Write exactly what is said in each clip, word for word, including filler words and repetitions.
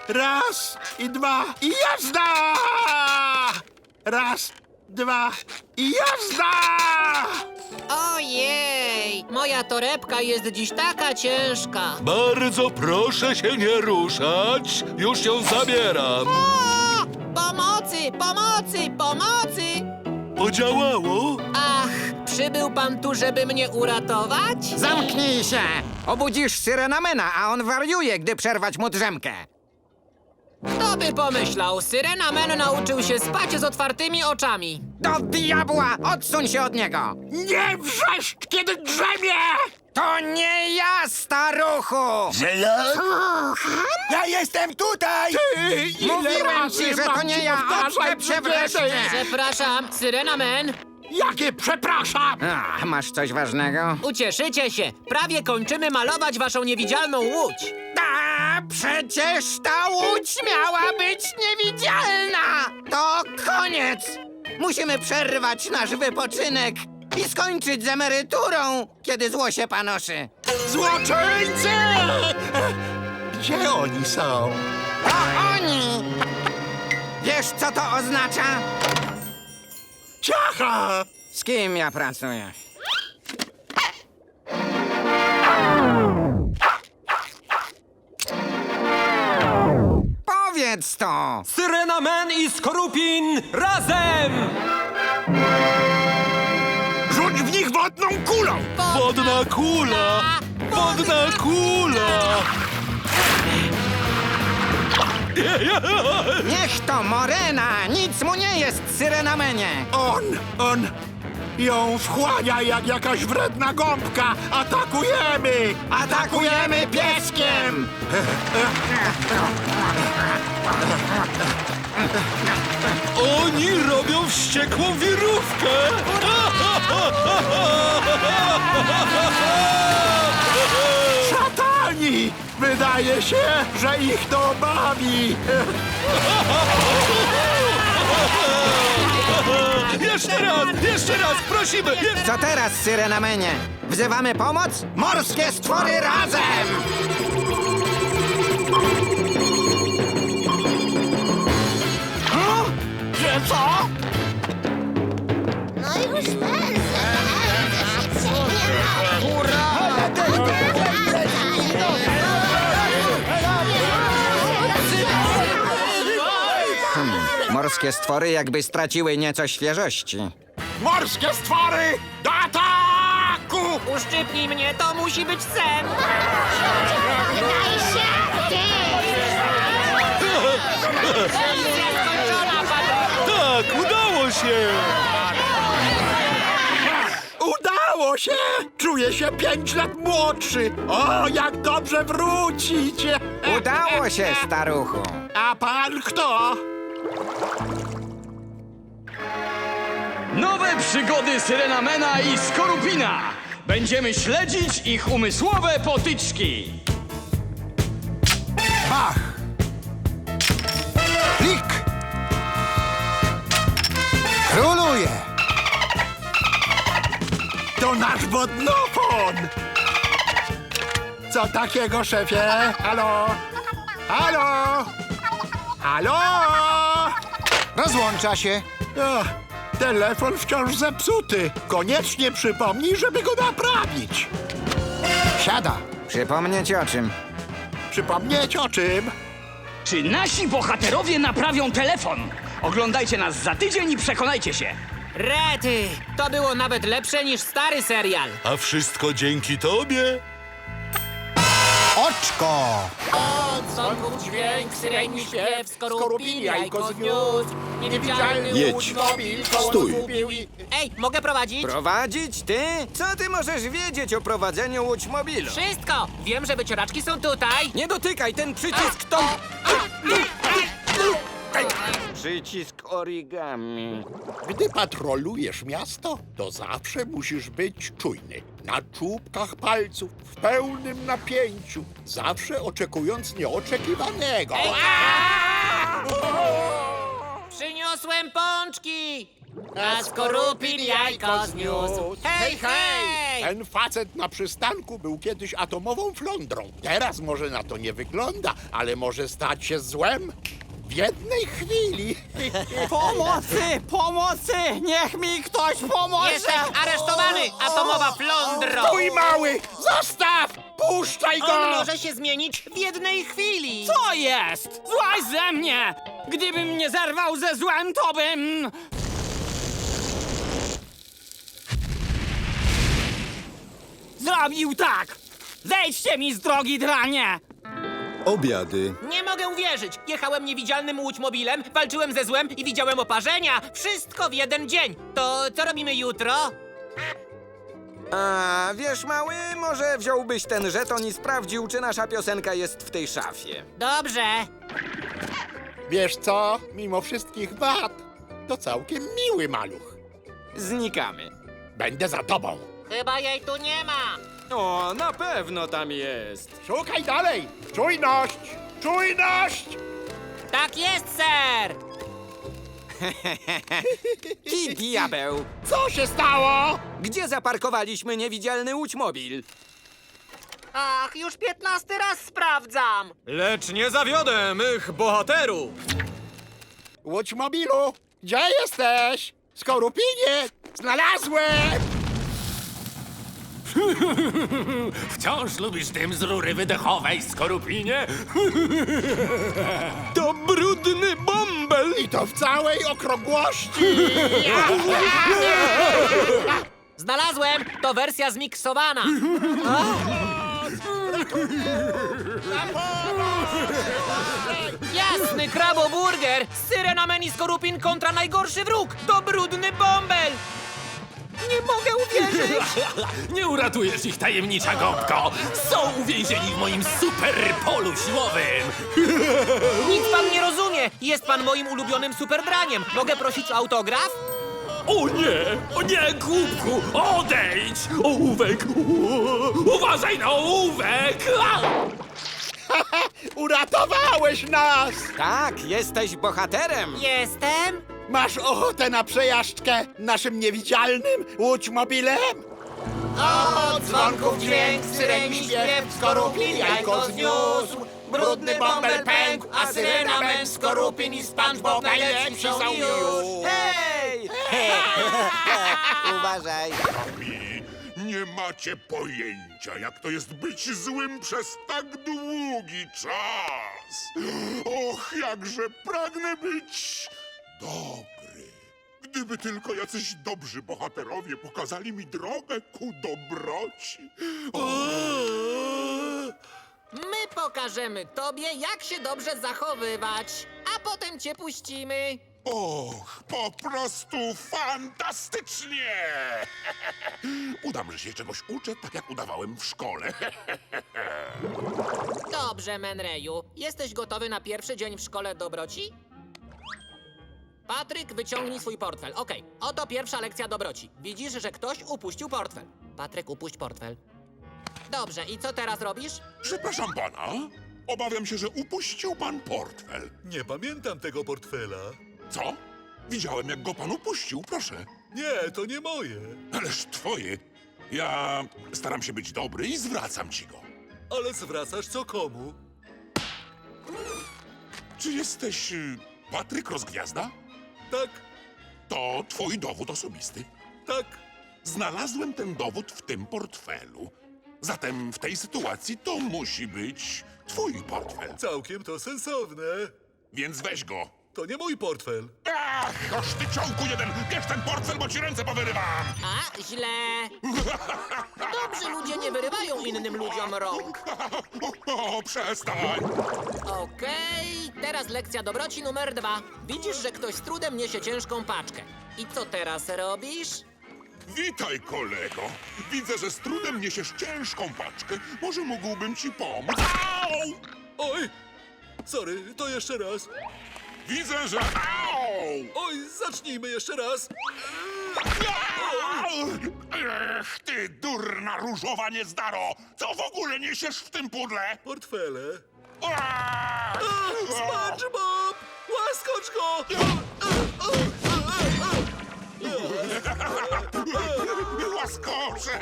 Raz i dwa i jazda! Raz, dwa i jazda! Ojej, moja torebka jest dziś taka ciężka. Bardzo proszę się nie ruszać. Już ją zabieram. O! Pomocy, pomocy, pomocy! Podziałało? Ach, przybył pan tu, żeby mnie uratować? Zamknij się! Obudzisz Syrenamena, a on wariuje, gdy przerwać mu drzemkę. Kto by pomyślał, Syrenamen nauczył się spać z otwartymi oczami. Do diabła! Odsuń się od niego! Nie wrzeszcz, kiedy drzemie! To nie ja, staruchu! Ja jestem tutaj! Ty, ile Mówiłem razy ci, że mam to nie ci ja, powtarzać, odczep się że wreszcie! ty- Przepraszam, Syrenamen, Jakie przepraszam! A, masz coś ważnego? ucieszycie się. Prawie kończymy malować waszą niewidzialną łódź. A, przecież ta łódź miała być niewidzialna! To koniec! Musimy przerwać nasz wypoczynek i skończyć z emeryturą, kiedy zło się panoszy. Złoczyńcy! Gdzie oni są? To oni! Wiesz, co to oznacza? Ciacha! Z kim ja pracuję? Powiedz to! Syrenamen i Skorupin razem! Rzuć w nich wodną kulą! Wodna kula! Wodna kula! Niech to Morena! Nic mu nie jest, Syrenamenie! On, on ją wchłania jak jakaś wredna gąbka! Atakujemy! Atakujemy pieskiem! Oni robią wściekłą wirówkę! Szatani! Wydaje się, że ich to bawi! Jeszcze raz! Jeszcze raz! Prosimy! Je- Co teraz, Syrenamenie? Wzywamy pomoc? Morskie stwory razem! Że co? No już pędzę, pędzę się nie Morskie stwory jakby straciły nieco świeżości. Morskie stwory! Do ataku! Uszczypnij mnie, to musi być sen. Daj się! Misja skończona, panowie. Tak, udało się! Udało się! Czuję się pięć lat młodszy! O, jak dobrze wrócić! Udało się, staruchu! A pan kto? Nowe przygody Syrenamena i Skorupina! Będziemy śledzić ich umysłowe potyczki! Bach! Klik! Króluje! To nasz wodnopon! Co takiego, szefie? Halo? Halo? Halo? Rozłącza się. O, telefon wciąż zepsuty. Koniecznie przypomnij, żeby go naprawić. Siada. Przypomnieć o czym? Przypomnieć o czym? Czy nasi bohaterowie naprawią telefon? Oglądajcie nas za tydzień i przekonajcie się! Rety, to było nawet lepsze niż stary serial. A wszystko dzięki tobie? Oczko! Dzwonków dźwięk, syreni śpiew, skorupin, jajko zniósł. Niewidzialny Jedź. Stój. Ej, mogę prowadzić? Prowadzić ty? Co ty możesz wiedzieć o prowadzeniu łódźmobilu? Wszystko! Wiem, że wycieraczki są tutaj. Nie dotykaj, ten przycisk to... Przycisk origami. Gdy patrolujesz miasto, to zawsze musisz być czujny. Na czubkach palców, w pełnym napięciu, zawsze oczekując nieoczekiwanego. Przyniosłem Przyniosłem pączki! A Skorupin jajko zniósł. Hej, hej! Ten facet na przystanku był kiedyś atomową flądrą. Teraz może na to nie wygląda, ale może stać się złem w jednej chwili. Pomocy! Pomocy! Niech mi ktoś pomoże! Jesteś aresztowany, atomowa flądro! Mój mały, zostaw! Puszczaj go! On może się zmienić w jednej chwili! To jest! Złaź ze mnie! Gdybym nie zerwał ze złem, to bym... Zrobił tak! Zejdźcie mi z drogi, dranie! Obiady. Nie mogę uwierzyć! Jechałem niewidzialnym łódźmobilem, walczyłem ze złem i widziałem oparzenia! Wszystko w jeden dzień! To co robimy jutro? A wiesz, mały, może wziąłbyś ten żeton i sprawdził, czy nasza piosenka jest w tej szafie. Dobrze! Wiesz co? Mimo wszystkich wad, to całkiem miły maluch. Znikamy. Będę za tobą. Chyba jej tu nie ma! O, na pewno tam jest. Szukaj dalej! Czujność! Czujność! Tak jest, ser! Ki diabeł! Co się stało? Gdzie zaparkowaliśmy niewidzialny łódźmobil? Ach, już piętnasty raz sprawdzam! Lecz nie zawiodę mych bohaterów! Łódź mobilu! Gdzie jesteś? Skorupinie! Znalazłem! Wciąż lubisz dym z rury wydechowej, Skorupinie? To brudny bąbel! I to w całej okrągłości! Znalazłem! To wersja zmiksowana! Jasny kraboburger! Syrenamen i Skorupin kontra najgorszy wróg! To brudny bąbel! Nie mogę uwierzyć! Nie uratujesz ich, tajemnicza gąbko! Są uwięzieni w moim super polu siłowym! Nic pan nie rozumie! Jest pan moim ulubionym superdraniem! Mogę prosić o autograf? O nie! O nie, głupku! Odejdź! Ołówek! U- Uważaj na ołówek! A! Uratowałeś nas! Tak, jesteś bohaterem! Jestem? Masz ochotę na przejażdżkę naszym niewidzialnym łódźmobilem? Od dzwonków dźwięk, syreni śpiew, Skorupin jajko zniósł. Brudny bąbel pękł, a Syrenamen, Skorupin i SpongeBob najlepsi są już. Hej! Uważaj! Nie macie pojęcia, jak to jest być złym przez tak długi czas. Och, jakże pragnę być dobry. Gdyby tylko jacyś dobrzy bohaterowie pokazali mi drogę ku dobroci. O, My pokażemy tobie, jak się dobrze zachowywać, a potem cię puścimy. och, po prostu fantastycznie! Udam, że się czegoś uczę, tak jak udawałem w szkole. Dobrze, Menreju. Jesteś gotowy na pierwszy dzień w szkole dobroci? Patryk, wyciągnij swój portfel. Okej, oto pierwsza lekcja dobroci. Widzisz, że ktoś upuścił portfel. Patryk, upuść portfel. Dobrze, i co teraz robisz? Przepraszam pana, obawiam się, że upuścił pan portfel. Nie pamiętam tego portfela. Co? Widziałem, jak go pan upuścił, proszę. Nie, to nie moje. Ależ twoje. Ja staram się być dobry i zwracam ci go. Ale zwracasz co komu? Czy jesteś y, Patryk Rozgwiazda? Tak, To twój dowód osobisty. tak. Znalazłem ten dowód w tym portfelu. Zatem w tej sytuacji to musi być twój portfel. Całkiem to sensowne. Więc weź go. To nie mój portfel. Ach, oż ty ciągu jeden! Bierz ten portfel, bo ci ręce powyrywam! A, źle. Dobrzy ludzie nie wyrywają innym ludziom rąk. O, o, przestań! Okej, teraz lekcja dobroci numer dwa. Widzisz, że ktoś z trudem niesie ciężką paczkę. I co teraz robisz? Witaj, kolego. Widzę, że z trudem niesiesz ciężką paczkę. Może mógłbym ci pomóc? Au! Oj! Sorry, to jeszcze raz. Widzę, że... Au! Oj, zacznijmy jeszcze raz. Ech, ty durna różowa niezdaro! Co w ogóle niesiesz w tym pudle? Portfele. Aaa! SpongeBob! Łaskocz go! Łaskocze!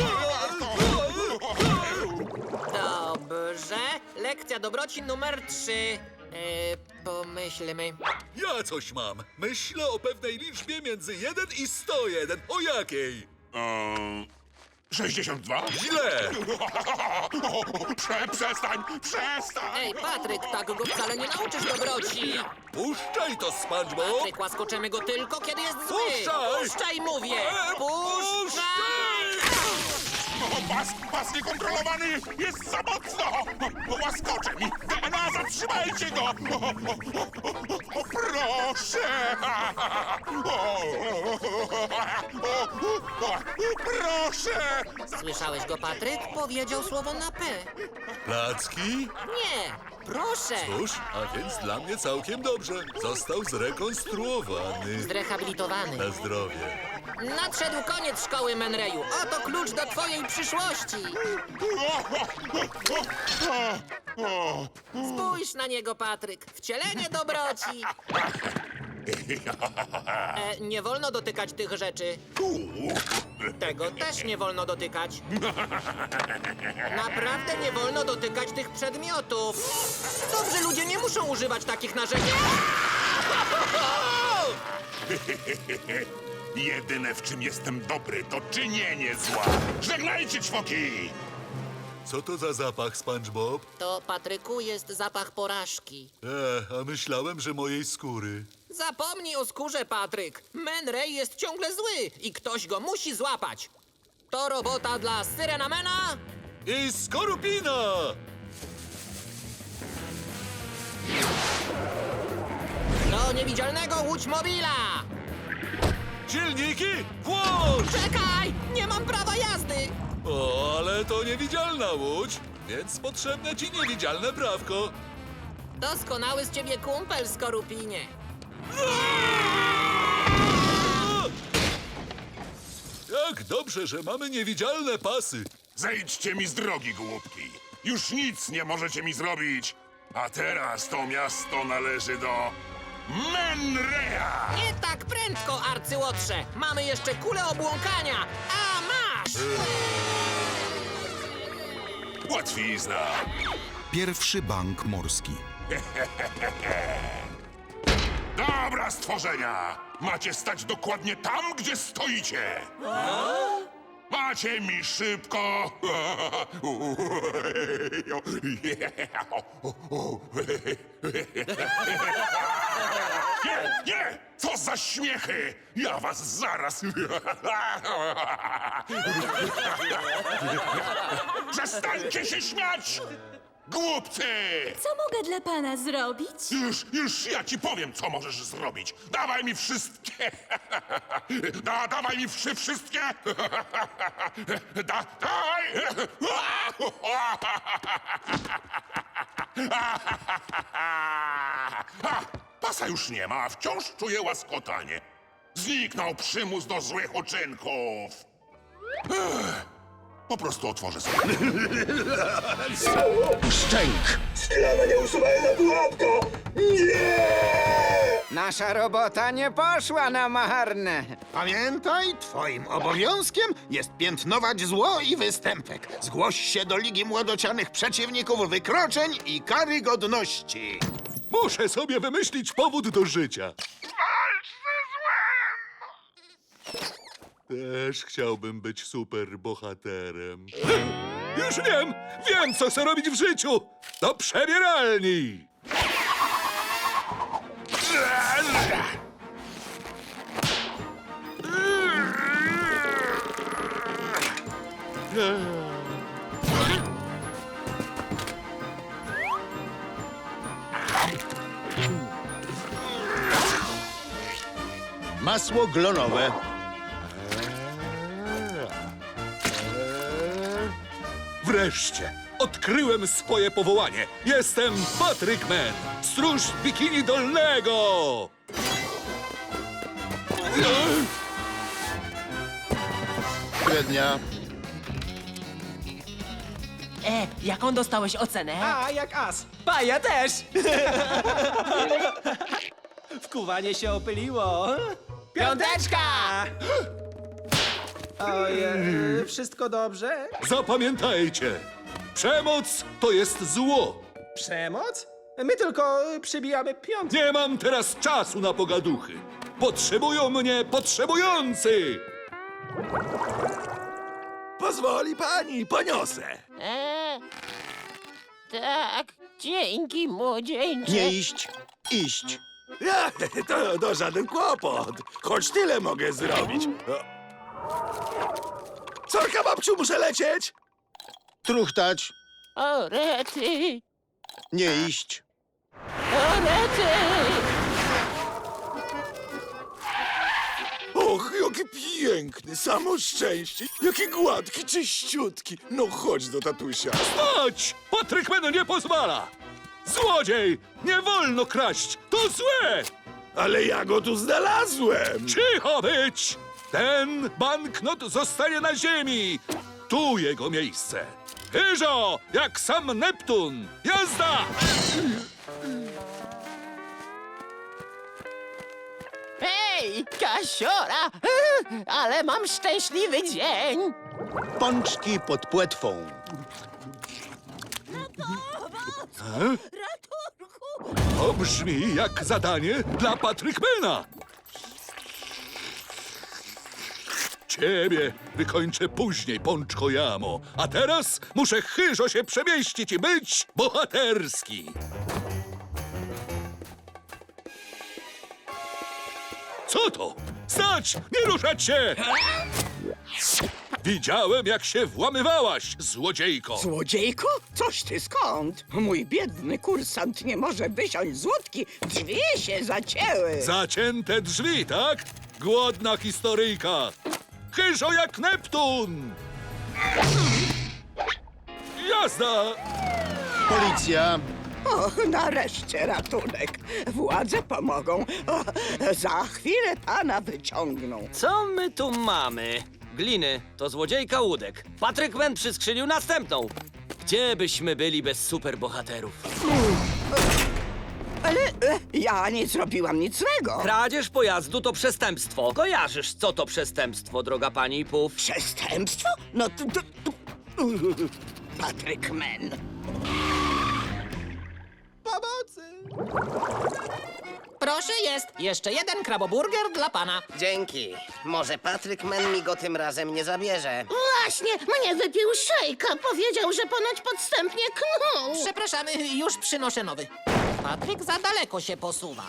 Dobrze. Lekcja dobroci numer trzy. E, pomyślmy. Ja coś mam. Myślę o pewnej liczbie między jeden i sto jeden. O jakiej? Eee, sześćdziesiąt dwa? Źle! Prze, przestań, przestań! Ej, Patryk, tak go wcale nie nauczysz dobroci. Puszczaj to, SpongeBob! Patryk, łaskoczemy go tylko, kiedy jest zły. Puszczaj! Puszczaj, mówię! E, Puszczaj! O, pas, pas niekontrolowany jest za mocno! O, łaskocze mi! D N A, zatrzymajcie go! O, o, o, o, o, proszę! O, o, o, o, proszę! Słyszałeś go, Patryk? Powiedział słowo na P. Placki? Nie, proszę. Cóż, a więc dla mnie całkiem dobrze. Został zrekonstruowany. Zrehabilitowany. Na zdrowie. Nadszedł koniec szkoły, Menreju. Oto klucz do twojej przyszłości. Spójrz na niego, Patryk. Wcielenie dobroci. E, nie wolno dotykać tych rzeczy. Tego też nie wolno dotykać. Naprawdę nie wolno dotykać tych przedmiotów. Dobrzy ludzie nie muszą używać takich narzędzi. Jedyne, w czym jestem dobry, to czynienie zła. Żegnajcie, ćwoki! Co to za zapach, SpongeBob? To, Patryku, jest zapach porażki. E, a myślałem, że mojej skóry. Zapomnij o skórze, Patryk. Man Ray jest ciągle zły i ktoś go musi złapać. To robota dla Syrenamena. I Skorupina! Do niewidzialnego łódź mobila. Silniki, włącz! Czekaj, nie mam prawa jazdy. O, ale to niewidzialna łódź, więc potrzebne ci niewidzialne prawko. Doskonały z ciebie kumpel, Skorupinie. Jak dobrze, że mamy niewidzialne pasy. Zejdźcie mi z drogi, głupki. Już nic nie możecie mi zrobić. A teraz to miasto należy do Menreya. Nie tak prędko, arcyłotrze. Mamy jeszcze kulę obłąkania. A masz! Łatwizna. Pierwszy bank morski. Dobra, stworzenia! Macie stać dokładnie tam, gdzie stoicie! Macie mi szybko! Nie, nie! Co za śmiechy! Ja was zaraz... Przestańcie się śmiać! Głupcy! Co mogę dla pana zrobić? Już, już ja ci powiem, co możesz zrobić. Dawaj mi wszystkie. Da, dawaj mi wszy, wszystkie. Da, dawaj. A, pasa już nie ma, a wciąż czuję łaskotanie. Zniknął przymus do złych uczynków. Ech, po prostu otworzę sobie. Szczęk! Nasza robota nie poszła na marne. Pamiętaj, twoim obowiązkiem jest piętnować zło i występek. Zgłoś się do Ligi Młodocianych Przeciwników Wykroczeń i Karygodności. Muszę sobie wymyślić powód do życia. Walcz ze złem! Też chciałbym być superbohaterem. Już wiem! Wiem, co chcę robić w życiu! Do przebieralni! Masło glonowe. Wreszcie! Odkryłem swoje powołanie! Jestem Patrick Man, stróż bikini dolnego! Średnia. E, jaką dostałeś ocenę? A, jak as. Pa, ja też! Wkuwanie się opyliło. Piąteczka! Ojej, wszystko dobrze? Zapamiętajcie, przemoc to jest zło. Przemoc? My tylko y, przybijamy piątkę. Nie mam teraz czasu na pogaduchy. Potrzebują mnie potrzebujący. Pozwoli pani, poniosę. E, tak, dzięki, młodzieńcze. Nie iść, iść. Ja, to, to żaden kłopot. Choć tyle mogę zrobić. O. Sorka, babciu, muszę lecieć. Truchtać, O, rety, nie iść. o, rety. Och, jaki piękny, samo szczęście. Jaki gładki, czyściutki. No chodź do tatusia. Chodź! Patrykman nie pozwala! Złodziej! Nie wolno kraść! To złe! Ale ja go tu znalazłem. Cicho być! Ten banknot zostanie na ziemi! Tu jego miejsce! Hyżo! Jak sam Neptun! Jazda! Hej, Kasiora! Ale mam szczęśliwy dzień! Pączki pod płetwą. To brzmi jak zadanie dla Patrykmana! Ciebie wykończę później, Pączko Jamo. A teraz muszę chyżo się przemieścić i być bohaterski. Co to? Stać! Nie ruszać się! Widziałem, jak się włamywałaś, złodziejko. Złodziejko? Coś ty skąd? Mój biedny kursant nie może wysiąść z łódki. Drzwi się zacięły. Zacięte drzwi, tak? Głodna historyjka. Chyżo jak Neptun! Jazda! Policja, Och, nareszcie ratunek. Władze pomogą. O, za chwilę pana wyciągną. Co my tu mamy? Gliny, to złodziejka łódek. Patrykman przyskrzynił następną. Gdzie byśmy byli bez superbohaterów? Ale e, ja nie zrobiłam nic złego. Kradzież pojazdu to przestępstwo. Kojarzysz, co to przestępstwo, droga pani Puf? Przestępstwo? No to... to, to... Patrykman. Pomocy! Proszę, jest jeszcze jeden kraboburger dla pana. Dzięki. Może Patrykman mi go tym razem nie zabierze. Właśnie, mnie wypił szejka. Powiedział, że ponoć podstępnie knuł. Przepraszamy, już przynoszę nowy. Patryk za daleko się posuwa.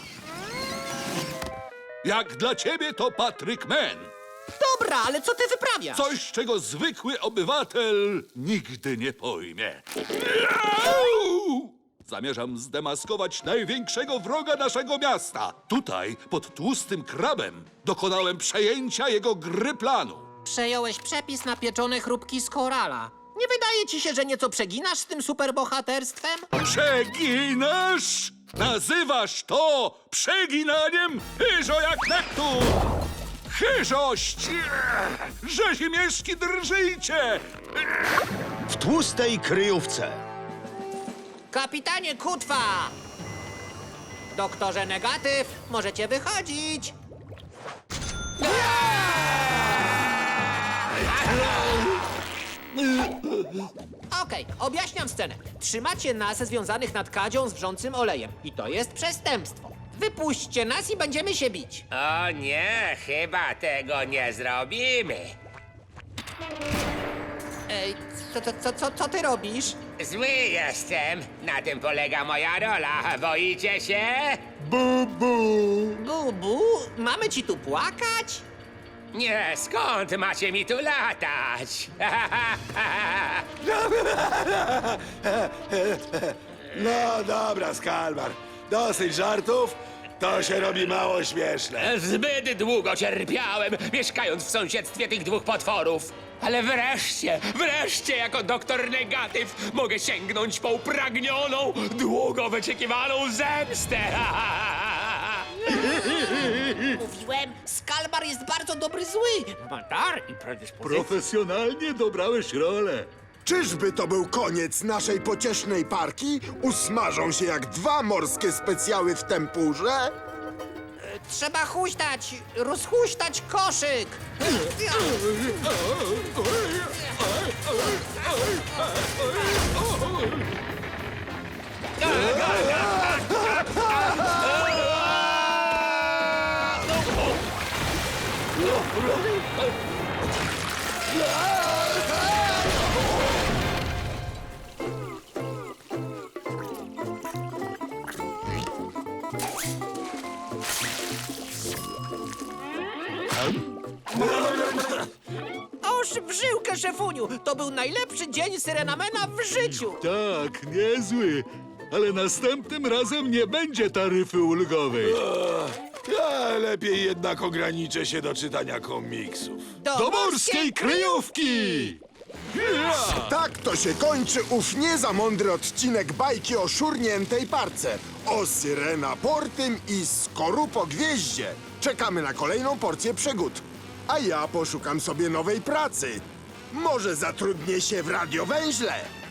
Jak dla ciebie to Patrykman. Dobra, ale co ty wyprawiasz? Coś, czego zwykły obywatel nigdy nie pojmie. Au! Zamierzam zdemaskować największego wroga naszego miasta. Tutaj, pod tłustym krabem, dokonałem przejęcia jego gry planu. Przejąłeś przepis na pieczone chrupki z korala. Nie wydaje ci się, że nieco przeginasz z tym superbohaterstwem? Przeginasz? Nazywasz to przeginaniem? Hyżo jak Neptun! Hyżość! Rzezimieszki drżyjcie! w tłustej kryjówce. Kapitanie Kutwa! Doktorze Negatyw, możecie wychodzić. Okej, objaśniam scenę. Trzymacie nas związanych nad kadzią z wrzącym olejem. I to jest przestępstwo. Wypuśćcie nas i będziemy się bić. O nie, chyba tego nie zrobimy. Ej, co, co, co, co, co ty robisz? Zły jestem. Na tym polega moja rola. Boicie się? Bubu, mamy ci tu płakać? Nie, skąd macie mi tu latać? No dobra, Skalmar. Dosyć żartów. To się robi mało śmieszne. Zbyt długo cierpiałem, mieszkając w sąsiedztwie tych dwóch potworów. Ale wreszcie, wreszcie jako doktor Negatyw mogę sięgnąć po upragnioną, długo wyczekiwaną zemstę. Mówiłem, Skalmar jest bardzo dobry zły. Ma dar i predyspozycje. Profesjonalnie dobrałeś rolę. Czyżby to był koniec naszej pociesznej parki? Usmażą się jak dwa morskie specjały w tempurze? Trzeba huśtać, rozhuśtać koszyk. Oż w żyłkę, szefuniu! To był najlepszy dzień Syrenamena w życiu! Tak, niezły. Ale następnym razem nie będzie taryfy ulgowej. Ja lepiej jednak ograniczę się do czytania komiksów. Do, kryjówki! Tak to się kończy ów nie za mądry odcinek bajki o szurniętej parce, o Syrena Portym i Skorupo Gwieździe. Czekamy na kolejną porcję przygód. A ja poszukam sobie nowej pracy. Może zatrudnię się w radiowęźle.